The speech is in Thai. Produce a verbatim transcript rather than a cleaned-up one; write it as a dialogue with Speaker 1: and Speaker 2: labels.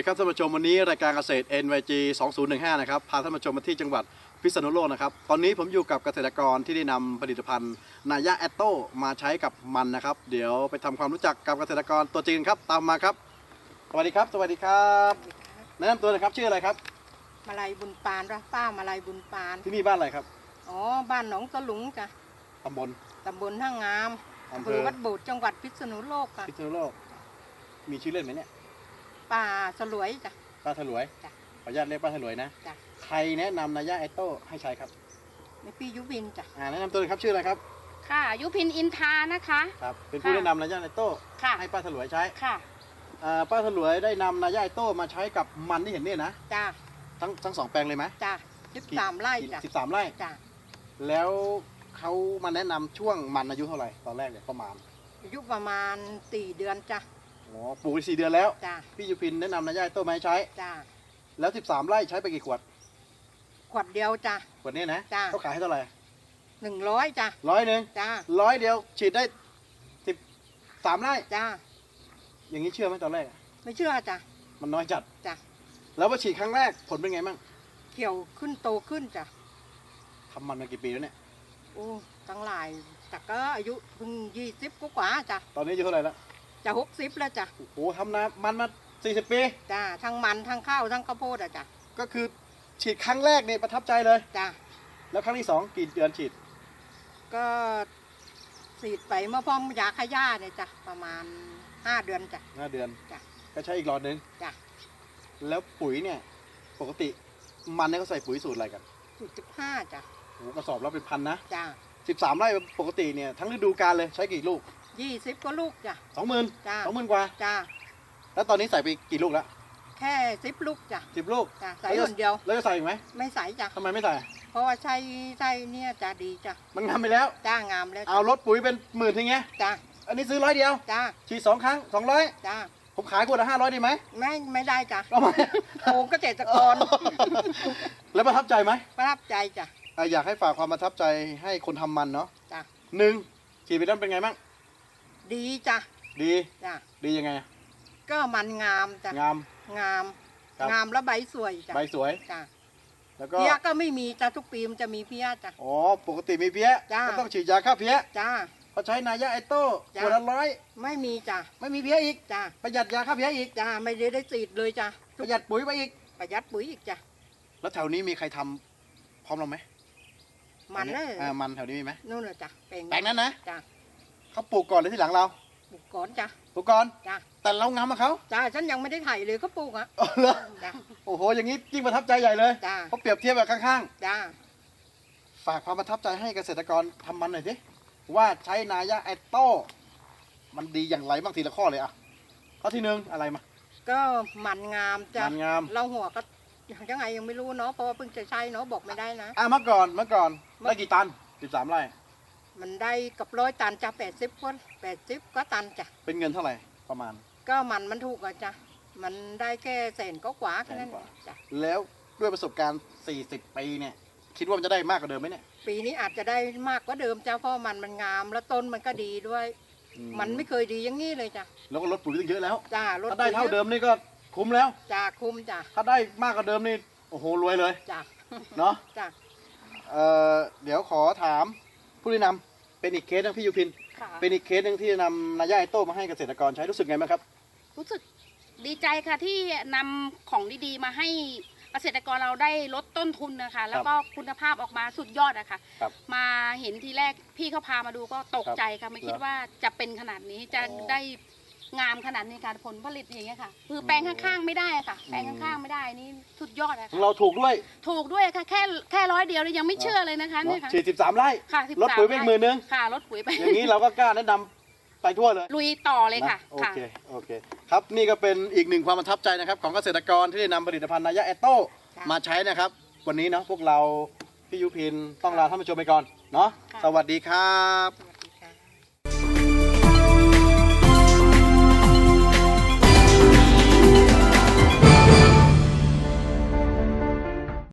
Speaker 1: ดีครับท่านผู้ชมวันนี้รายการเกษตร เอ็น วาย จี สองพันสิบห้านะครับพาท่านผู้ชมมาที่จังหวัดพิษณุโลกนะครับตอนนี้ผมอยู่กับเกษตรกรที่ได้นำผลิตภัณฑ์นายาแอตโต้มาใช้กับมันนะครับเดี๋ยวไปทำความรู้จักกับเกษตรกรตัวจริงครับตามมาครับสวัสดีครับสวัสดีครับแนะนำตัวหน่อยครับชื่ออะไรครับ
Speaker 2: มาลัยบุญปานป้ามาลัยบุญปาน
Speaker 1: ที่นี่บ้านอะไรครับ
Speaker 2: อ๋อบ้านหนองตะหลุงจ้ะ
Speaker 1: ตำบล
Speaker 2: ตำบลท่างามอำเภอวัดโบดจังหวัดพิษณุโลกค่ะ
Speaker 1: พิษณุโลกมีชื่อเล่นไหมเนี่ย
Speaker 2: ป้าสลวยจ้ะ
Speaker 1: ป้าถลวย
Speaker 2: จ้ะ
Speaker 1: ขออนุญาตเรียกป้าถลวยนะ
Speaker 2: จ้ะ
Speaker 1: ใครแนะนำนายาแอตโต้ให้ใช้ครับ
Speaker 2: ในพี่ยุพินจ้ะ
Speaker 1: อ่าแนะนำตัวหน่อยครับชื่ออะไรครับ
Speaker 3: ค่ะยุพินอินทานะคะ
Speaker 1: ครับเป็นผู้แนะนำนายาแอตโต้ให้ป้าถลวยใช้
Speaker 3: ค่ะ
Speaker 1: ป้าถลวยได้นำนายาแอตโต้มาใช้กับมันที่เห็นเนี่ยนะ
Speaker 2: จ้ะ
Speaker 1: ทั้งทั้งสองแปลงเลยไหม
Speaker 2: จ้ะสิบสามไร่จ้ะ
Speaker 1: สิบสามไร่
Speaker 2: จ้ะ
Speaker 1: แล้วเขามาแนะนำช่วงมันอายุเท่าไหร่ตอนแรกเนี่ยประมาณ
Speaker 2: อายุประมาณสี่เดือนจ้ะ
Speaker 1: อ๋อปลูกไปสี่เดือนแล้ว
Speaker 2: จ้ะ
Speaker 1: พี่ยุพินแนะนำนายาแอตโต้มาให้ใช้
Speaker 2: จ้ะ
Speaker 1: แล้วสิบสามไร่ใช้ไปกี่ขวด
Speaker 2: ขวดเดียวจ้ะ
Speaker 1: ขวดนี้นะ
Speaker 2: จ้ะ
Speaker 1: เขาขายให้เท่าไหร่
Speaker 2: หนึ่งร้อยจ้ะ
Speaker 1: ร้อยหนึ่ง
Speaker 2: จ้ะ
Speaker 1: ร้อยเดียวฉีดได้สิบสามไร่
Speaker 2: จ้ะ
Speaker 1: อย่างนี้เชื่อไหมตอนแรก
Speaker 2: ไม่เชื่อจ้ะ
Speaker 1: มันน้อยจัด
Speaker 2: จ้ะ
Speaker 1: แล้วพอฉีดครั้งแรกผลเป็นไงบ้าง
Speaker 2: เขียวขึ้นโตขึ้นจ้ะ
Speaker 1: ทำมันมากี่ปีแล้วเนี่ย
Speaker 2: โอ้ตั้งหลายแต่ก็อายุเพิ่งยี่สิบกว่าจ้ะ
Speaker 1: ตอนนี้อายุเท่าไหร่แล้ว
Speaker 2: จะหกสิบแล้วจ้ะ
Speaker 1: โอ้โหทำนามันมาสี่สิบปี
Speaker 2: จ้ะทั้งมันทั้งข้าวทั้งข้าวโพดอะจ้ะ
Speaker 1: ก็คือฉีดครั้งแรกเนี่ยประทับใจเลย
Speaker 2: จ้ะ
Speaker 1: แล้วครั้งที่สองกี่เดือนฉีด
Speaker 2: ก็ฉีดไปเมื่อพร้อมยาขย่าเนี่ยจ้ะประมาณห้าเดือนจ้ะ
Speaker 1: ห้าเดือน
Speaker 2: จ้ะ
Speaker 1: ก็ใช้อีกหลอดนึง
Speaker 2: จ้ะ
Speaker 1: แล้วปุ๋ยเนี่ยปกติมันเนี่ยเขาใส่ปุ๋ยสูตรอะไรกัน
Speaker 2: สูตรสิบห้าจ้ะ
Speaker 1: โอ้กระสอบแล้วเป็นพันนะ
Speaker 2: จ้ะ
Speaker 1: สิบสามไร่ปกติเนี่ยทั้งฤดูกาลเลยใช้กี่ลูก
Speaker 2: ยี่สิบก็ลูกจ้ะ
Speaker 1: สองหมื่น
Speaker 2: จ้ะ
Speaker 1: สองหมื่นกว่า
Speaker 2: จ้ะ
Speaker 1: แล้วตอนนี้ใส่ไปกี่ลูกแล้ว
Speaker 2: แค่สิบลูกจ้ะ
Speaker 1: สิบลูก
Speaker 2: จ้ะใส่คนเดียว
Speaker 1: แล้วจะใส่อีกไหม
Speaker 2: ไม่ใส่จ้ะ
Speaker 1: ทำไมไม่ใส่
Speaker 2: เพราะว่าใช้ใช้เนี่ยจะดีจ้ะ
Speaker 1: มันงามไปแล้ว
Speaker 2: จ้างามแล้ว
Speaker 1: เอารถปุ๋ยเป็นหมื่นทีเงี้ย
Speaker 2: จ้ะ
Speaker 1: อันนี้ซื้อร้อยเดียว
Speaker 2: จ้ะ
Speaker 1: ฉีดสองครั้งสองร้อย
Speaker 2: จ้ะ
Speaker 1: ผมขายขวดละห้าร้อยดีไหม
Speaker 2: ไม่ไม่ได้จ้ะ
Speaker 1: ทำไม
Speaker 2: โอ้เกษตรกร
Speaker 1: แล้วประทับใจไหม
Speaker 2: ประทับใจจ้ะ
Speaker 1: อยากให้ฝากความประทับใจให้คนทำมันเนาะ
Speaker 2: จ้ะ
Speaker 1: หนึ่งฉีดไปแล้วเป็นไงบ้าง
Speaker 2: ดีจ้ะ
Speaker 1: ดี
Speaker 2: จ้ะ
Speaker 1: ดียังไง
Speaker 2: ก็มันงามจ้ะ
Speaker 1: งาม
Speaker 2: งามงามแล้วใบสวยจ้ะ
Speaker 1: ใบสวย
Speaker 2: จ้ะ
Speaker 1: แล้วก็
Speaker 2: เพี้ยก็ไม่มีจ้ะทุกปีมันจะมีเพี้ยจ้ะ
Speaker 1: อ๋อปกติมีเพี้ยก็ต้องฉีดยาฆ่าเพี้ย
Speaker 2: จ้ะ
Speaker 1: พอใช้นายาแอตโต้ขวดละร้อย
Speaker 2: ไม่มีจ้ะ
Speaker 1: ไม่มีเพี้ยอีก
Speaker 2: จ้ะ
Speaker 1: ประหยัดยาฆ่าเพี้ยอีก
Speaker 2: จ้ะไม่ได้ได้ฉีดเลยจ้ะ
Speaker 1: ประหยัดปุ๋ยไปอีก
Speaker 2: ประหยัดปุ๋ยอีกจ้ะ
Speaker 1: แล้วแถวนี้มีใครทำพร้อมเราไหม
Speaker 2: มันเลย
Speaker 1: อ่ามันแถวนี้มีไหม
Speaker 2: นู่นเลยจ้ะแปลง
Speaker 1: แปลงนั้นนะ
Speaker 2: จ้ะ
Speaker 1: เขาปลูกก่อนหรือที่หลังเรา
Speaker 2: ปลูกก่อนจ้ะ
Speaker 1: ปลูกก่อน
Speaker 2: จ้ะ
Speaker 1: แต่เรางามมาเขา
Speaker 2: จ้ะฉันยังไม่ได้ไถเลยเขาปลูกอ่ะ
Speaker 1: อ๋อเหรอจ้ะโอ้โหอย่างนี้ยิ่งประทับใจใหญ่เลย
Speaker 2: จ้ะ
Speaker 1: เขาเปรียบเทียบแบบข้าง
Speaker 2: ๆจ้ะ
Speaker 1: ฝากความประทับใจให้เกษตรกรทำมันหน่อยสิว่าใช้นายาแอตโต้มันดีอย่างไรบ้างทีละข้อเลยอ่ะข้อที่หนึ่งอะไรมา
Speaker 2: ก็มันงามจ้ะ
Speaker 1: มันงาม
Speaker 2: เราหัวก็ยังไงยังไม่รู้เนาะเพราะว่าเพิ่งจะใช้เนาะบอกไม่ได้นะ
Speaker 1: อ่ะเมื่อก่อนเมื่อก่อนได้กี่ตันสิบสามไร่
Speaker 2: มันได้กับร้อยตันจ้ะแปดสิบคนแปดสิบก็ตันจ้ะ
Speaker 1: เป็นเงินเท่าไหร่ประมาณ
Speaker 2: ก็มันมันถูกอ่ะจ้ะมันได้แค่แสนก็กว่าแค่นั้นจ้ะ
Speaker 1: แล้วด้วยประสบการณ์สี่สิบปีเนี่ยคิดว่ามันจะได้มากกว่าเดิมไหมเนี่ย
Speaker 2: ปีนี้อาจจะได้มากกว่าเดิมจ้ะเพราะมันมันงามแล้วต้นมันก็ดีด้วยมันไม่เคยดีอย่างนี้เลยจ้ะ
Speaker 1: แล้วก็ลดปุ๋ยตั้งเยอะแล้ว
Speaker 2: จ้ะลด
Speaker 1: ถ้าได้เท่าเดิมนี่ก็คุ้มแล้ว
Speaker 2: จ้ะคุ้มจ้ะ
Speaker 1: ถ้าได้มากกว่าเดิมนี่โอ้โหรวยเลย
Speaker 2: จ้ะ
Speaker 1: เนาะ
Speaker 2: จ้ะ
Speaker 1: เอ่อเดี๋ยวขอถามผู้แนะนำเป็นอีกเคสนึงพี่ยุพินเป็นอีกเคสหนึ่งที่นำนายาแอตโต้มาให้เกษตรกรใช้รู้สึกไงบ้างครับ
Speaker 3: รู้สึกดีใจค่ะที่นำของดีๆมาให้เกษตรกรเราได้ลดต้นทุนนะคะแล้วก็คุณภาพออกมาสุดยอดนะคะมาเห็นทีแรกพี่เขาพามาดูก็ตกใจค่ะไม่คิดว่าจะเป็นขนาดนี้จะได้งามขนาดนี้การผลผลิตอย่างเงี้ยค่ะคือแปลงข้างๆไม่ได้ค่ะแปลงข้างๆไม่ได้นี่สุดยอดเลยค่ะ
Speaker 1: เราถูกด้วย
Speaker 3: ถูกด้วยค่ะแค่แค่ร้อยเดียวเลยยังไม่เชื่อเลยนะคะนี่ค่ะ
Speaker 1: ฉีดสิบสามไร่
Speaker 3: ค่ะ
Speaker 1: ลดปุ๋ยไปหมื่นนึง
Speaker 3: ค่ะลดปุ๋ยไป
Speaker 1: อย่างนี้เราก็กล้าแนะนำไปทั่วเลย
Speaker 3: ลุยต่อเลยค่ะ
Speaker 1: โอเคโอเคครับนี่ก็เป็นอีกหนึ่งความประทับใจนะครับของเกษตรกรที่ได้นำผลิตภัณฑ์นายาแอตโต้มาใช้นะครับวันนี้เนาะพวกเราพี่ยุพินต้องลาท่านผู้ชมไปก่อนเนาะสวัสดีครับ